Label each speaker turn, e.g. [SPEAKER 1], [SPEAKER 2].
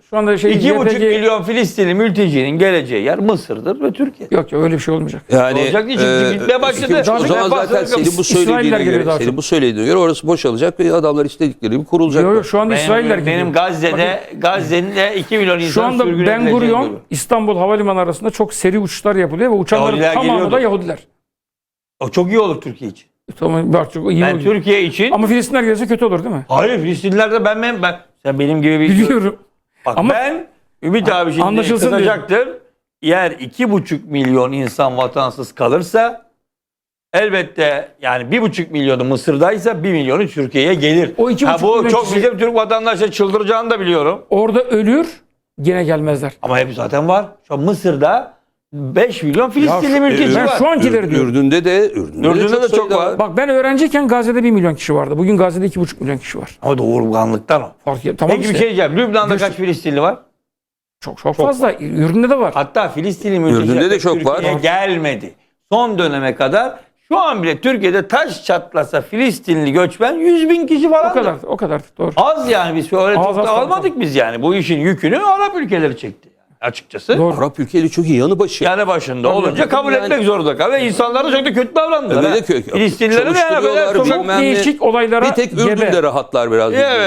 [SPEAKER 1] Şu anda şey
[SPEAKER 2] 2,5
[SPEAKER 1] YPG
[SPEAKER 2] milyon Filistinli mültecinin geleceği yer Mısır'dır ve Türkiye.
[SPEAKER 1] yok ya öyle bir şey olmayacak.
[SPEAKER 3] Yani
[SPEAKER 2] Olacak değil çünkü gitmeye başladı.
[SPEAKER 3] O zaman zaten
[SPEAKER 1] İsrailler geliyor daha çok.
[SPEAKER 3] bu söylediğine göre orası boşalacak ve adamlar istedikleri gibi kurulacak.
[SPEAKER 1] Yok şu anda İsrailler geliyor.
[SPEAKER 2] Benim Gazze'nin de 2 milyon insan
[SPEAKER 1] Şu anda
[SPEAKER 2] sürgün
[SPEAKER 1] Ben
[SPEAKER 2] edileceğini
[SPEAKER 1] Gurion
[SPEAKER 2] görüyorum.
[SPEAKER 1] İstanbul Havalimanı arasında çok seri uçuşlar yapılıyor ve uçanların
[SPEAKER 2] Yahudiler
[SPEAKER 1] tamamı
[SPEAKER 2] geliyordu.
[SPEAKER 1] da Yahudiler.
[SPEAKER 2] O çok iyi olur Türkiye için.
[SPEAKER 1] Tamam, bak çok iyi
[SPEAKER 2] Ben
[SPEAKER 1] oluyor.
[SPEAKER 2] Türkiye için...
[SPEAKER 1] Ama Filistinler gelirse kötü olur değil mi?
[SPEAKER 2] Hayır Filistinliler de ben sen benim gibi bir...
[SPEAKER 1] Biliyorum.
[SPEAKER 2] Bak
[SPEAKER 1] Ama-
[SPEAKER 2] ben Ümit abi şimdi
[SPEAKER 1] Anlaşılsın
[SPEAKER 2] kızacaktır. Eğer 2,5 milyon insan vatansız kalırsa elbette yani 1,5 milyonu Mısır'daysa 1 milyonu Türkiye'ye gelir.
[SPEAKER 1] O 2,5
[SPEAKER 2] bu
[SPEAKER 1] milyon
[SPEAKER 2] çok
[SPEAKER 1] kişi-
[SPEAKER 2] bizim Türk vatandaşları çıldıracağını da biliyorum.
[SPEAKER 1] Orada ölür, gene gelmezler.
[SPEAKER 2] Ama hep zaten var. Şu an Mısır'da 5 milyon Filistinli mülteci
[SPEAKER 1] Ben
[SPEAKER 2] var.
[SPEAKER 1] şu ankileri diyorum.
[SPEAKER 3] Ürdün'de de
[SPEAKER 2] çok var.
[SPEAKER 1] Bak ben öğrenciyken Gazze'de 1 milyon kişi vardı. Bugün Gazze'de 2,5 milyon kişi var.
[SPEAKER 2] Ama doğurganlıktan o.
[SPEAKER 1] Fark et. Tamam
[SPEAKER 2] Peki
[SPEAKER 1] işte.
[SPEAKER 2] bir şey diyeceğim. Lübnan'da
[SPEAKER 1] Göster-
[SPEAKER 2] kaç Filistinli var?
[SPEAKER 1] Çok fazla. Ürdün'de de var.
[SPEAKER 2] Hatta Filistinli mülteciler
[SPEAKER 3] Ürdün'de de çok
[SPEAKER 2] Türkiye'ye
[SPEAKER 3] var.
[SPEAKER 2] gelmedi. Son döneme kadar şu an bile Türkiye'de taş çatlasa Filistinli göçmen 100.000 kişi falan.
[SPEAKER 1] O kadar. Doğru.
[SPEAKER 2] Az yani biz öyle
[SPEAKER 1] Az,
[SPEAKER 2] çok da
[SPEAKER 1] az,
[SPEAKER 2] almadık biz yani. Bu işin yükünü Arap ülkeleri çekti yani açıkçası.
[SPEAKER 1] Doğru.
[SPEAKER 3] Arap ülkeleri çok iyi yanı başı.
[SPEAKER 2] Yani başında olunca kabul
[SPEAKER 3] yani-
[SPEAKER 2] etmek zorunda kaldı. Ve insanlar da çok da kötü davrandılar.
[SPEAKER 3] Öyle
[SPEAKER 2] ha.
[SPEAKER 3] de kötü.
[SPEAKER 2] Filistinlilerin de yani böyle
[SPEAKER 3] Çalıştırıyorlar,
[SPEAKER 2] sokak...
[SPEAKER 1] Çok
[SPEAKER 3] bilmem ne.
[SPEAKER 1] değişik olaylara
[SPEAKER 3] Bir tek Ürdün'de
[SPEAKER 1] gebe.
[SPEAKER 3] rahatlar biraz.
[SPEAKER 2] Evet.